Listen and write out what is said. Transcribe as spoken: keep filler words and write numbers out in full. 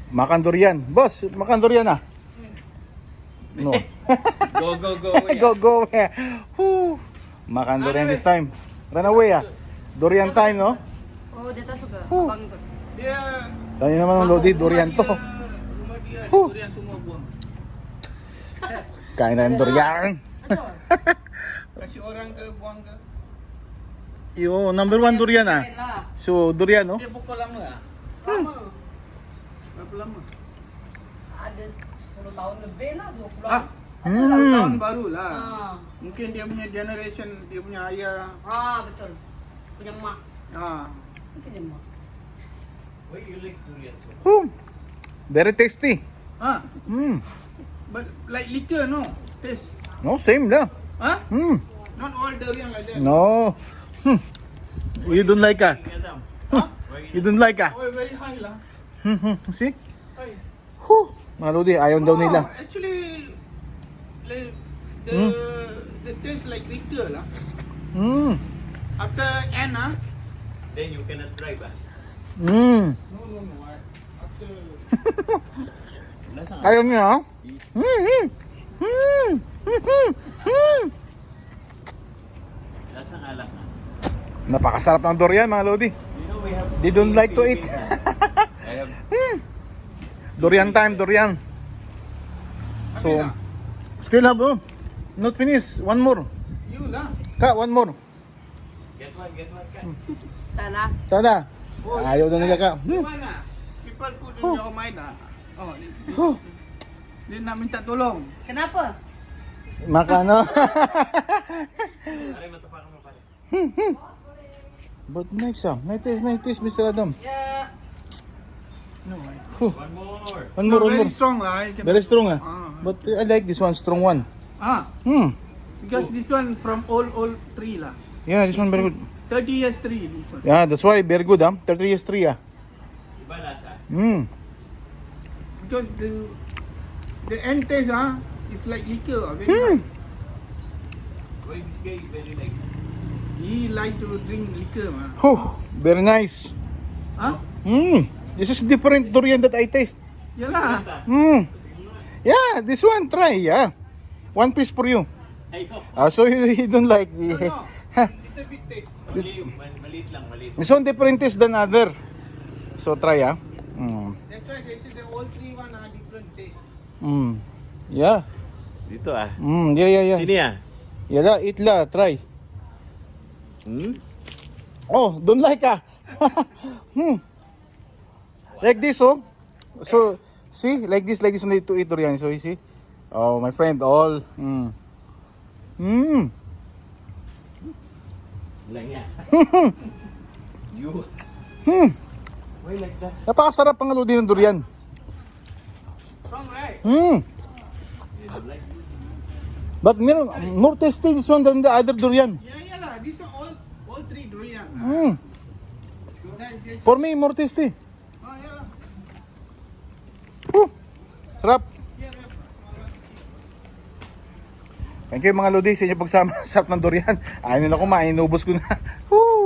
Makan durian. Boss, makan durian ah. No. Go, go, go. Go, go. Yeah. Whew. Makan durian this time. Run away ah. Durian time, no? Oh, dia tak suka. Huh. Abang tu. Dia Tayo naman ng Lodi, durian to. rumah dia Huh. durian semua buang. Kain na ng durian. Betul. Kasih orang ke buang ke. Yo, number one durian ah. Lain lah. So, durian, no? Dia pukul lama lah. Lama. Berapa lama? Ada sepuluh tahun lebih lah, dua puluh. Ah, Ada Hmm. lah. tahun baru lah. Ah. Mungkin dia punya generation, dia punya ayah. Ah, betul. Punya mak. Ah, Punya mak. Why you like durian so much? Whew. Very tasty. ah, Hmm. but like liquor, no taste. No, same lang. Huh? Hmm. Not all durian like that. No. Hmm. You don't like ah? Adam, Huh? You don't like ah? Oh, very high lah. Hmm, hmm. See? High. Whew. Mga Lodi, ayaw daw nila. Oh, actually, like, the Hmm? the taste like liquor lah. Hmm. After end ah. then you cannot drive ah. Hmm. No, no, no. I- After Lasa nga. Ayaw niya ah? Hmm. Hmm. Hmm. Hmm. Hmm. Lasa nga alak na. Napakasarap ng durian mga Lodi. You know we have. They don't like to eat. I have. Durian time, durian. So, Habis lah. still have oh. Not finish. One more. You lah. Ka, one more. Get one, get one. Ka. Salah. Tada. Ayaw daw nila ka. Hmm. Gimana? People put in Huh. your mind ah. Oh, dia, Huh. dia nak minta tolong. Kenapa? Maka ano. Aray, matapakan mo pala. But nice ah. Nice, nice, Mister Adam. Ya. No, I, Huh. One more. One more, no, one very more. strong lah. I can- Very strong ah. Ah. But I like this one, strong one. Ah, Hmm. because this one from old old tree lah. Yeah, this one very good. thirty years tree this one. Yeah, that's why very good ah. thirty years three ah. Iba lasa. Hmm. Because the the end taste ah is like liquor. ah, Very Hmm. high. Why this guy very like. He like to drink liquor mah. Huh. Very nice. Ah, Hmm. This is different durian that I taste. yalah. Hmm. Yeah, this one try. Yeah. One piece for you. Ayaw. Ah, so you, you don't like No, the no. Little bit taste. Mali, mal- maliit lang, maliit. This one different taste than other. So try ah. Hmm. That's why they say the old tree one are different taste. Hmm. Yeah. Dito ah. Hmm. Yeah, yeah, yeah. Sini ah. Yeah, la, eat la, try. Hmm? Oh, don't like ah. Hmm. Like this, oh. So, see, like this, like this, only to eat durian. So, you see. Oh, my friend, all. Hmm. Hmm. Lang yan. You. Hmm. Why like that? Napakasarap ang aludi ng durian. Strong, right? Hmm. You don't like this? But meron, more tasty this one than the other durian. Yeah, yalah. This one all all three durian. ah. Hmm. Then just For me, more tasty. ah, yalah. Whew. Sarap. Yeah, yeah. Thank you mga lodi sa inyo pagsama. Sarap ng durian. Ayaw nila kumain, inubos ko na. Woo!